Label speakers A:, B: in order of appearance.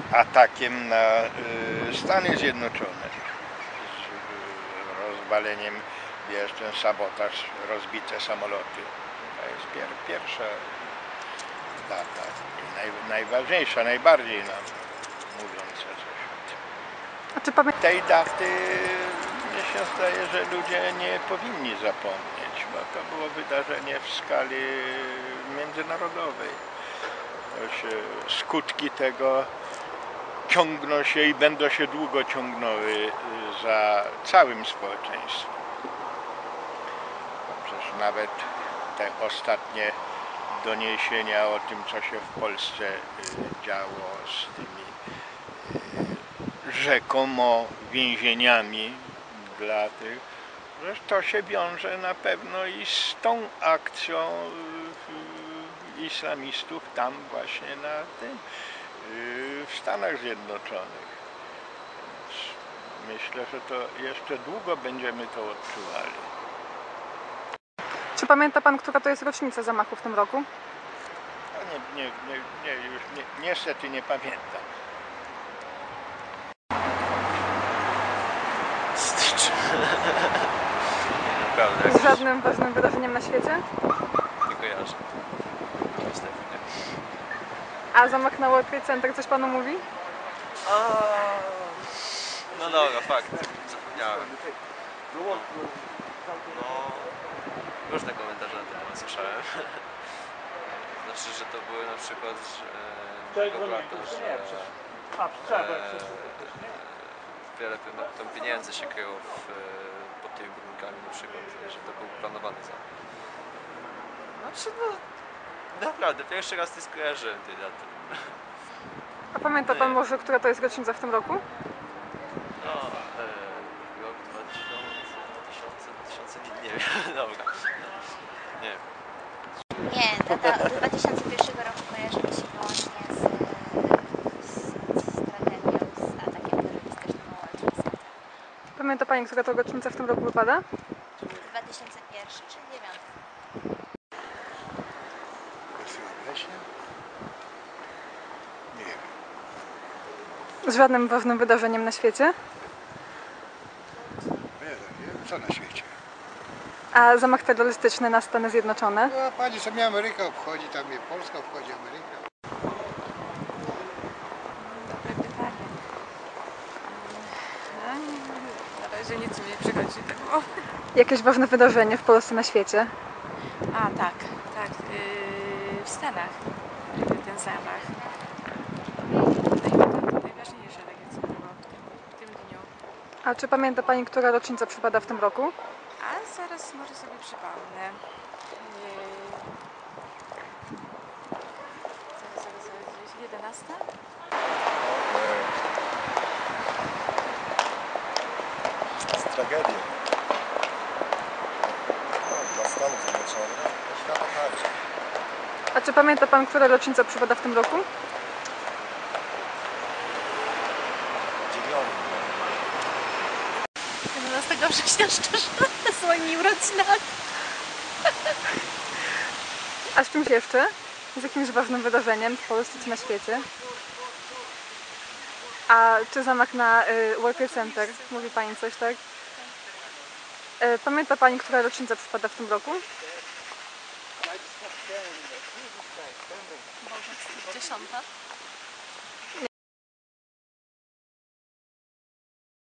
A: atakiem na Stany Zjednoczone, z rozwaleniem, wiesz, ten sabotaż, rozbite samoloty. To jest pierwsza data i najważniejsza, najbardziej nam mówiąca coś o tym.
B: A czy
A: Tej daty mnie się zdaje, że ludzie nie powinni zapomnieć, bo to było wydarzenie w skali międzynarodowej. Skutki tego ciągną się i będą się długo ciągnęły za całym społeczeństwem. Przecież nawet te ostatnie doniesienia o tym, co się w Polsce działo z tymi rzekomo więzieniami dla tych, że to się wiąże na pewno i z tą akcją islamistów tam właśnie na tym, w Stanach Zjednoczonych. Więc myślę, że to jeszcze długo będziemy to odczuwali.
B: Czy pamięta Pan, która to jest rocznica zamachu w tym roku?
A: No już niestety nie pamiętam.
C: Stycz. Naprawdę.
B: Z żadnym ważnym wydarzeniem na świecie?
C: Nie kojarzę. Niestety nie.
B: A zamach na World Trade Center coś Panu mówi?
C: No dobra, fakt. Zapomniałem. No, różne komentarze na ten temat słyszałem. Znaczy, że to były na przykład wiele tam pieniędzy się kryło pod tymi budynkami na przykład, że to był planowany zamach. Znaczy, no naprawdę, pierwszy raz nie skojarzyłem tej daty.
B: A pamięta Pan może, która to jest rocznica w tym roku?
C: No, rok 2000, nie wiem, dobra. Nie wiem.
D: Nie, data od 2001 roku kojarzy mi się wyłącznie z tragedią, z atakiem terrorystycznym na World Trade Center.
B: Pamięta Pani, która to rocznica w tym roku wypada?
D: 2001 czy 2009?
A: Nie wiem.
B: Z żadnym ważnym wydarzeniem na świecie?
E: Co na świecie?
B: A zamach terrorystyczny na Stany Zjednoczone?
E: No, pani sobie Ameryka obchodzi, tam mnie Polska obchodzi Ameryka.
F: Dobre pytanie. Na razie nic mi nie przychodzi do głowy.
B: Jakieś ważne wydarzenie w Polsce, na świecie?
F: A tak, w Stanach ten zamach. Najważniejsze takie co było w tym dniu.
B: A czy pamięta Pani, która rocznica przypada w tym roku?
F: A zaraz może sobie przypomnę. Zaraz, 11?
G: Z tragedią. Dla Stanów Zjednoczonych, dla świata także.
B: A czy pamięta Pan, która rocznica przypada w tym roku?
G: 9.
D: 11 września szczerze z moimi urodzinami.
B: A z czymś jeszcze? Z jakimś ważnym wydarzeniem w Polsce czy na świecie? A czy zamach na World Trade Center? Mówi Pani coś, tak? Pamięta Pani, która rocznica przypada w tym roku?
D: Może 10.